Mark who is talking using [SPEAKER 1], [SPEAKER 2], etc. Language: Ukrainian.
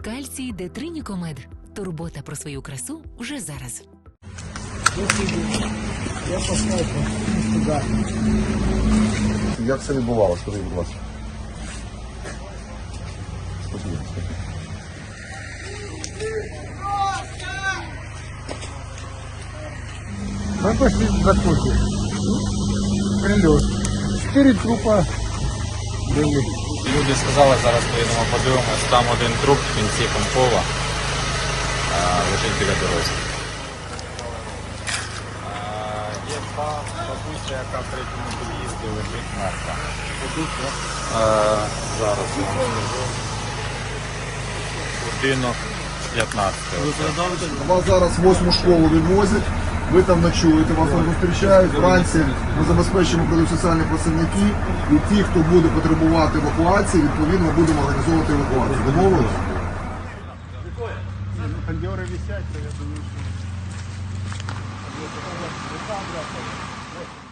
[SPEAKER 1] Кальцій Д3 Нікомед. Турбота про свою красу вже зараз.
[SPEAKER 2] Я послав сюди.
[SPEAKER 3] Як це відбувалося? Скажіть, будь ласка. Спокійно.
[SPEAKER 2] Мы пошли в Закоте. Прилет. 4 трупа были.
[SPEAKER 4] Люди сказали, зараз поїдемо подивимось, там один труп в кінці Комкова лежить біля дороги. Є бабуся, яка в третьому під'їзді лежить мертва. Зараз. Будинок 15.
[SPEAKER 3] Вас зараз в 8-му школу відвозять, ви там ночуєте, вас там зустрічають. Вранці ми забезпечимо прийдуть соціальні працівники, і ті, хто буде потребувати евакуації, відповідно будемо організовувати евакуацію. Домовились?
[SPEAKER 2] Кондеры висят, то я думаю, что...